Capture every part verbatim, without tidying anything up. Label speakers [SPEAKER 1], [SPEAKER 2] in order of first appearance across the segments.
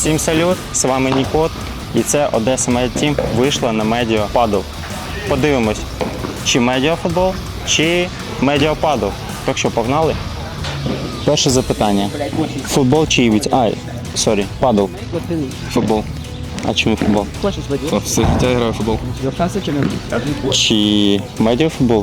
[SPEAKER 1] Всім салют, з вами Нікот, і це Одеса Медіа Тім вийшла на Медіа Падл. Подивимось, чи Медіа Футбол, чи Медіа Падл. Так що, погнали? Перше запитання. Футбол чи івіць? Ай, сорі, падл. Футбол. А чому футбол?
[SPEAKER 2] Все життя граю в футбол.
[SPEAKER 1] Чи Медіа Футбол?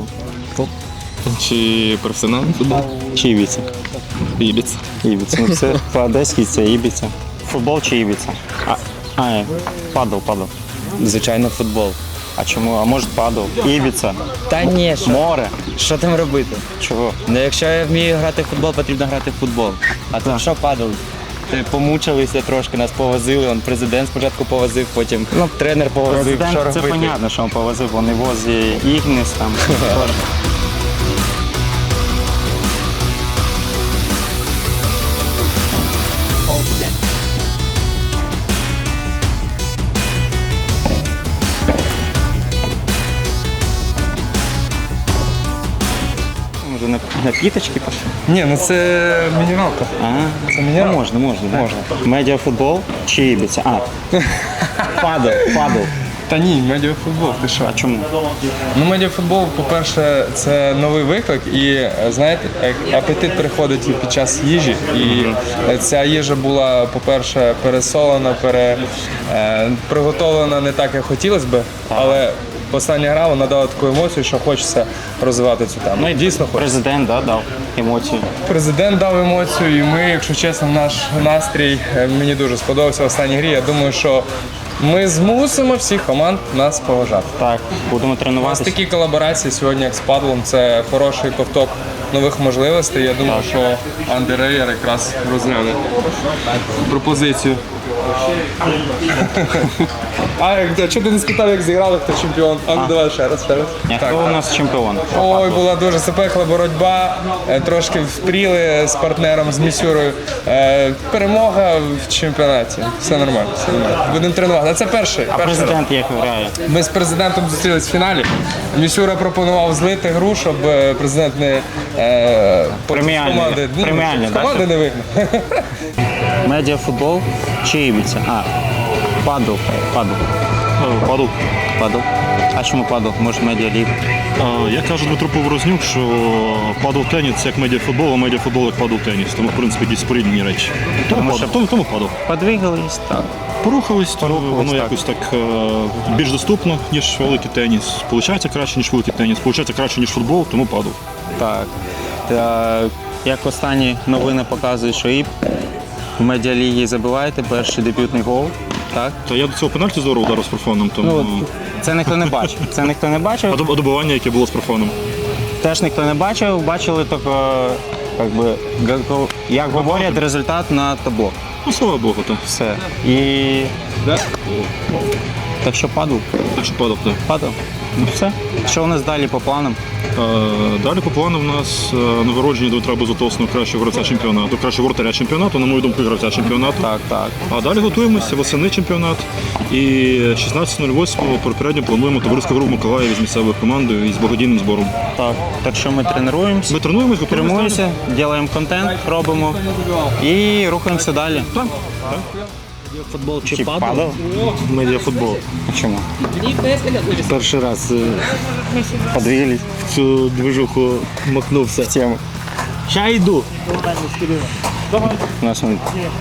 [SPEAKER 2] Чи професіональний футбол?
[SPEAKER 1] Чи івіця?
[SPEAKER 2] Ібіц.
[SPEAKER 1] Ібіця. Ну це по-одеськи це ібіця. Футбол чи ібіця? А, а падл, падл.
[SPEAKER 3] Звичайно, футбол.
[SPEAKER 1] А чому? А може падл? Ібіця?
[SPEAKER 3] Та ні, що,
[SPEAKER 1] Море?
[SPEAKER 3] що там робити?
[SPEAKER 1] Чого?
[SPEAKER 3] Ну, якщо я вмію грати в футбол, потрібно грати в футбол. А тут що падали? Ти помучилися трошки, нас повозили, он президент спочатку повозив, потім ну, тренер повозив,
[SPEAKER 1] Президент,
[SPEAKER 3] що
[SPEAKER 1] це
[SPEAKER 3] робити.
[SPEAKER 1] понятно, що він повозив, вони возять Ігніс там. Може на, на піточки пошли?
[SPEAKER 2] Ні, ну це мінімалка.
[SPEAKER 1] А,
[SPEAKER 2] Це мінімалка.
[SPEAKER 1] можна, можна. Можна. Медіафутбол чи ібіця? А, падл, падл.
[SPEAKER 2] Та ні, медіафутбол, ти що?
[SPEAKER 1] А чому?
[SPEAKER 2] Ну, медіафутбол, по-перше, це новий виклик і, знаєте, апетит приходить і під час їжі. І ця їжа була, по-перше, пересолена, пере, е, приготовлена не так, як хотілося б, але остання гра вона дала таку емоцію, що хочеться розвивати цю тему. Ну і дійсно хочеться.
[SPEAKER 1] Президент, да, дав емоції.
[SPEAKER 2] Президент дав емоцію, і ми, якщо чесно, наш настрій е, мені дуже сподобався в останній грі. Я думаю, що ми змусимо всіх команд нас поважати.
[SPEAKER 1] Так, будемо
[SPEAKER 2] У нас
[SPEAKER 1] тренуватися.
[SPEAKER 2] такі колаборації сьогодні, як з падлом, це хороший ковток нових можливостей. Я думаю, що Андрій Рейер якраз розгляне пропозицію. А як- чого ти не спитав, як зіграли, хто чемпіон? А ну давай ще раз, ще раз.
[SPEAKER 1] Ні, хто у нас чемпіон?
[SPEAKER 2] Ой, була дуже запекла боротьба, е, трошки впріли з партнером, з Місюрою. Е, Перемога в чемпіонаті. Все нормально, все нормально. Будемо тренувати. А це перший.
[SPEAKER 1] А
[SPEAKER 2] перший
[SPEAKER 1] президент як грає?
[SPEAKER 2] Ми з президентом зустрілись в фіналі. Місюра пропонував злити гру, щоб е, президент не е,
[SPEAKER 1] Преміальний.
[SPEAKER 2] з команди, ну,
[SPEAKER 1] Преміальний,
[SPEAKER 2] з
[SPEAKER 1] да,
[SPEAKER 2] команди не вигнав.
[SPEAKER 1] Медіафутбол чи ібіця? А, падл, падл.
[SPEAKER 4] Падл.
[SPEAKER 1] Падл. А чому падл? Може медіаліг?
[SPEAKER 4] А, Як каже Дмитро Поворознюк, що падл-теніс – це як медіафутбол, а медіафутбол – як падл-теніс. Тому, в принципі, якісь порівняні речі. Тому,
[SPEAKER 1] Тому
[SPEAKER 4] падл.
[SPEAKER 1] що-
[SPEAKER 4] тому, тому падл.
[SPEAKER 1] Подвигались, так.
[SPEAKER 4] Порухались, то
[SPEAKER 1] Порухались,
[SPEAKER 4] воно
[SPEAKER 1] так.
[SPEAKER 4] якось так е, більш доступно, ніж великий теніс. Получається краще, ніж великий теніс. Получається краще, ніж футбол, тому падл.
[SPEAKER 1] Так. Та, як останні новини показують, що і в медіалігі забиваєте перший дебютний гол. Так?
[SPEAKER 4] Та я до цього пенальті здорово ударив з профаном, тому...
[SPEAKER 1] Ну, от, це ніхто не бачив. Це ніхто не
[SPEAKER 4] а
[SPEAKER 1] бачив.
[SPEAKER 4] доб- а добивання, яке було з профаном.
[SPEAKER 1] Теж ніхто не бачив. Бачили тільки, як би, га- як говорять, результат на табло.
[SPEAKER 4] Ну, слава Богу, то.
[SPEAKER 1] Все. І так що падав.
[SPEAKER 4] Так що падав, так.
[SPEAKER 1] Падав. Ну все. Що у нас далі по планам?
[SPEAKER 4] Е, Далі по плану в нас е, нагородження Дмитра Безотосного кращого гравця чемпіонату, кращого вратаря чемпіонату, на мою думку, гравця чемпіонату.
[SPEAKER 1] Так, так.
[SPEAKER 4] А далі готуємося, восени чемпіонат. І шістнадцятого восьмого попередньо плануємо товариську гру в Миколаєві з місцевою командою і з благодійним збором.
[SPEAKER 1] Так. Так що ми тренуємося,
[SPEAKER 4] Ми тренуємось, готуємося.
[SPEAKER 1] тренуємося, робимо контент, робимо і рухаємося далі.
[SPEAKER 4] Так.
[SPEAKER 5] Футбол чи
[SPEAKER 1] Чи
[SPEAKER 5] падал?
[SPEAKER 1] падав?
[SPEAKER 5] Медіафутбол.
[SPEAKER 1] А чому?
[SPEAKER 5] Перший раз е,
[SPEAKER 1] Подвигались
[SPEAKER 5] в цю движуху макнувся.
[SPEAKER 1] в тему.
[SPEAKER 5] Ща йду.
[SPEAKER 1] У нас он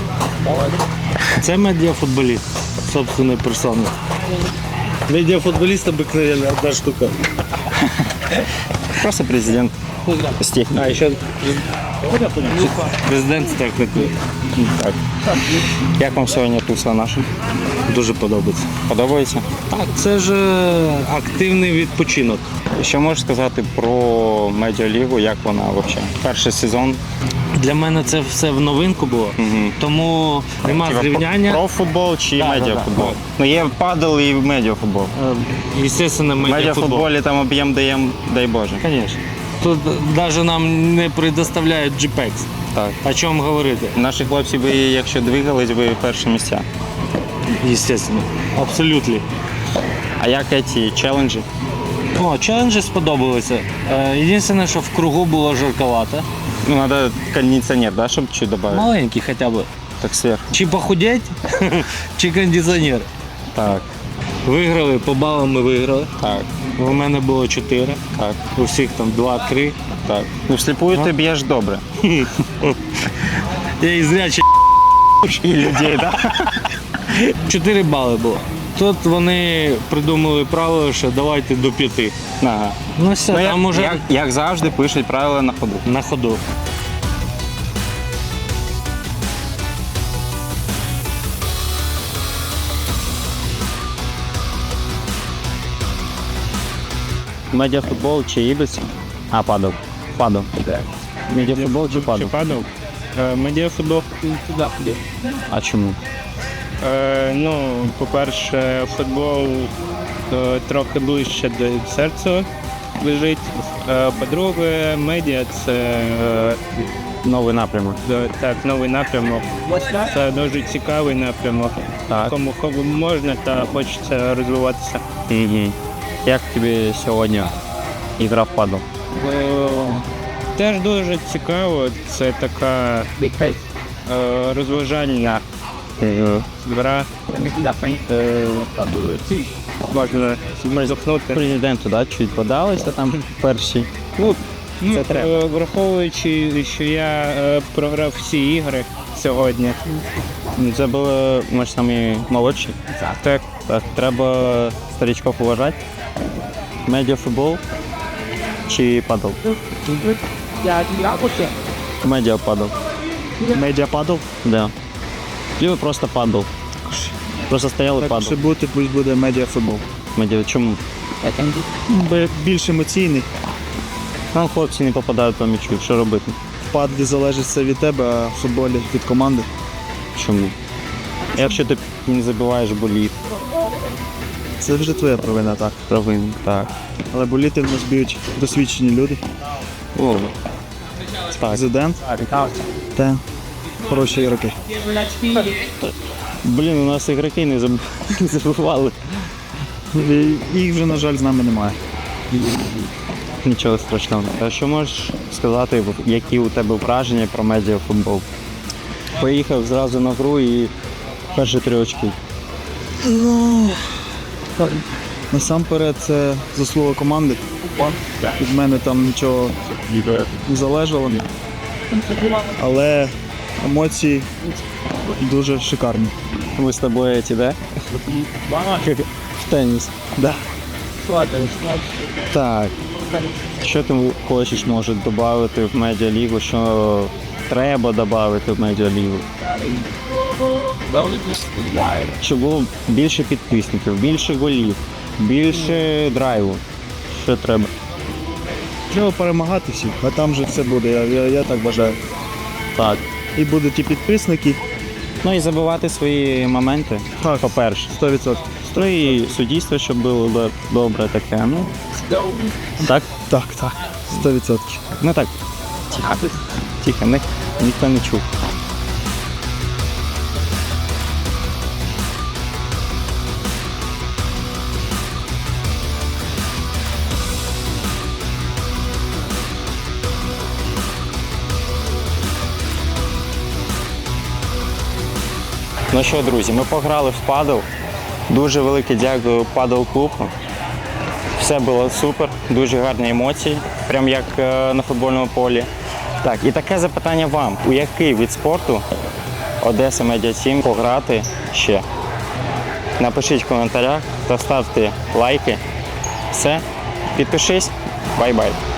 [SPEAKER 5] Це медіафутболіст, собственної персони. Медіафутболіст обикновенно одна штука.
[SPEAKER 1] просто президент з технікою.
[SPEAKER 5] А, ще президент з технікою.
[SPEAKER 1] Так. Як вам сьогодні туса наша?
[SPEAKER 5] Дуже подобається.
[SPEAKER 1] Подобається?
[SPEAKER 5] Так, це ж е, активний відпочинок.
[SPEAKER 1] Що можеш сказати про медіалігу, як вона взагалі? Перший сезон.
[SPEAKER 5] Для мене це все в новинку було, тому нема
[SPEAKER 1] Типа,
[SPEAKER 5] зрівняння.
[SPEAKER 1] Про футбол чи
[SPEAKER 5] Да,
[SPEAKER 1] медіафутбол?
[SPEAKER 5] да, да.
[SPEAKER 1] Ну є падл і медіафутбол.
[SPEAKER 5] Е, Естественно,
[SPEAKER 1] В
[SPEAKER 5] медіафутбол.
[SPEAKER 1] медіафутболі там об'єм даєм, дай Боже.
[SPEAKER 5] Конечно. Тут навіть нам не предоставляють джі пекс.
[SPEAKER 1] Так.
[SPEAKER 5] О чому говорити?
[SPEAKER 1] Наші хлопці би, якщо двигались, би перші місця.
[SPEAKER 5] Естественно. Абсолютно.
[SPEAKER 1] А як ці челенджі?
[SPEAKER 5] О, челенджі сподобалися. Е, Єдине, що в кругу було жарковато.
[SPEAKER 1] Ну, треба кондиціонер, да, щоб чуть додати?
[SPEAKER 5] Маленький хоча б.
[SPEAKER 1] Так сверху.
[SPEAKER 5] Чи похудеть, чи кондиціонер.
[SPEAKER 1] Так,
[SPEAKER 5] Виграли, по балам ми виграли.
[SPEAKER 1] так,
[SPEAKER 5] У мене було чотири,
[SPEAKER 1] так,
[SPEAKER 5] у всіх там два-три.
[SPEAKER 1] так. Ну, всліпую ти б'єш добре.
[SPEAKER 5] Я і зрячий
[SPEAKER 1] І людей, так?
[SPEAKER 5] чотири бали було. Тут вони придумали правило, що давайте до п'яти.
[SPEAKER 1] Ага.
[SPEAKER 5] Ну все,
[SPEAKER 1] Ну,
[SPEAKER 5] там
[SPEAKER 1] як,
[SPEAKER 5] уже
[SPEAKER 1] як, як завжди пишуть правила на ходу.
[SPEAKER 5] на ходу.
[SPEAKER 1] Медіафутбол чи ібіс? А, падав. Падав. Медіафутбол чи падав?
[SPEAKER 6] Падав. Е, Медіафутбол.
[SPEAKER 1] А чому?
[SPEAKER 6] Е, Ну, по-перше, футбол е, трохи ближче до серця лежить. Е, По-друге, медіа це е,
[SPEAKER 1] Новий напрямок.
[SPEAKER 6] до- так, новий напрямок. Це дуже цікавий напрямок,
[SPEAKER 1] Так.
[SPEAKER 6] кому хо- можна та хочеться розвиватися.
[SPEAKER 1] Угу. Як тобі сьогодні ігра в падал?
[SPEAKER 6] Е, Теж дуже цікаво, це така е, розважальна гра. Е, Можна зухнути.
[SPEAKER 1] Президенту, да, чуть подалися там перші. Ну,
[SPEAKER 6] Ну,
[SPEAKER 1] це треба.
[SPEAKER 6] е, враховуючи, що я е, програв всі ігри сьогодні.
[SPEAKER 1] Це було, ми ж самі молодші.
[SPEAKER 6] Так,
[SPEAKER 1] Так, треба старичков уважати. Медіафутбол чи падал? Медіа падал.
[SPEAKER 7] Медіа падав.
[SPEAKER 1] Да. Либо просто падал. Просто стояли
[SPEAKER 7] Так,
[SPEAKER 1] падал.
[SPEAKER 7] щоб бути, пусть буде медіафутбол.
[SPEAKER 1] Медіа, чому?
[SPEAKER 7] Бо більш емоційний.
[SPEAKER 1] Нам хлопці не попадають по м'ячу, що робити?
[SPEAKER 7] В падлі залежить все від тебе, а в футболі від команди.
[SPEAKER 1] Чому? Якщо ти не забиваєш боліт,
[SPEAKER 7] Це вже твоя провина, так.
[SPEAKER 1] провин, так.
[SPEAKER 7] Але боліти в нас б'ють досвідчені люди.
[SPEAKER 1] О, так.
[SPEAKER 7] Президент та хороші ігроки.
[SPEAKER 1] Блін, у нас ігроки не заб- не забивали.
[SPEAKER 7] І їх вже, на жаль, з нами немає.
[SPEAKER 1] Нічого страшного. А що можеш сказати, які у тебе враження про медіафутбол? Поїхав зразу на гру і перші три очки.
[SPEAKER 7] Насамперед це заслуга команди. Від мене там нічого не залежало. Але емоції дуже шикарні.
[SPEAKER 1] Ми з тобою ці, да? В теніс.
[SPEAKER 7] Да.
[SPEAKER 1] Так. Що ти хочеш, може, додати в медіалігу, що треба додати в медіалігу? Щоб було більше підписників, більше голів, більше драйву. Що треба?
[SPEAKER 7] Треба перемагати всіх, а там вже все буде, я, я, я так вважаю.
[SPEAKER 1] Так.
[SPEAKER 7] І будуть і підписники,
[SPEAKER 1] Ну і забивати свої моменти,
[SPEAKER 7] Так.
[SPEAKER 1] по-перше.
[SPEAKER 7] сто відсотків.
[SPEAKER 1] Ну і суддівство, щоб було до- добре таке. Ну, так?
[SPEAKER 7] Так, так, сто відсотків.
[SPEAKER 1] Ну так. Тихо. Тихо, ні- ніхто не чув. Ну що, друзі, ми пограли в падл. Дуже велике дякую падл клубу. Все було супер, дуже гарні емоції, прям як е, на футбольному полі. Так, і таке запитання вам: у який вид спорту Одеса Медіа Тім пограти ще? Напишіть в коментарях та ставте лайки. Все, підпишись, бай-бай.